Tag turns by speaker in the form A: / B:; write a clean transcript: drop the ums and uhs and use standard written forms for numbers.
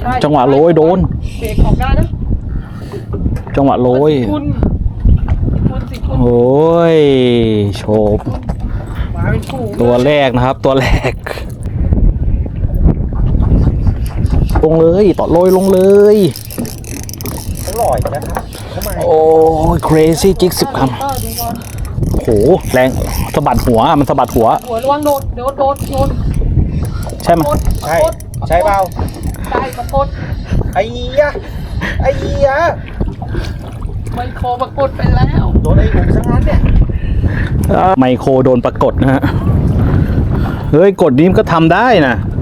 A: จังหวะโรยโดน
B: เบรกออกได้นะ
A: จังหวะโรยโอ้ยโฉบตัวแรกนะครับตัวแรกลงเลยต่อโรยลงเลย
C: อร่อยนะครับ
A: โอ้ย crazy จิก10 คำโหแรงสะบัดหัวมันสะบัดหัว
B: ระวังโดน
A: ใช่ไหม
C: ใช่เปล่า
B: ใช่ปรากฏ
C: ไอ้ยะ
B: ไมโครปรากฏไปแล้ว
C: โดนไอ้หนุ่มซะงั้นเนี่ย
A: ไมโครโดนปรากฏนะฮะเฮ้ยกดนี้มันก็ทำได้นะ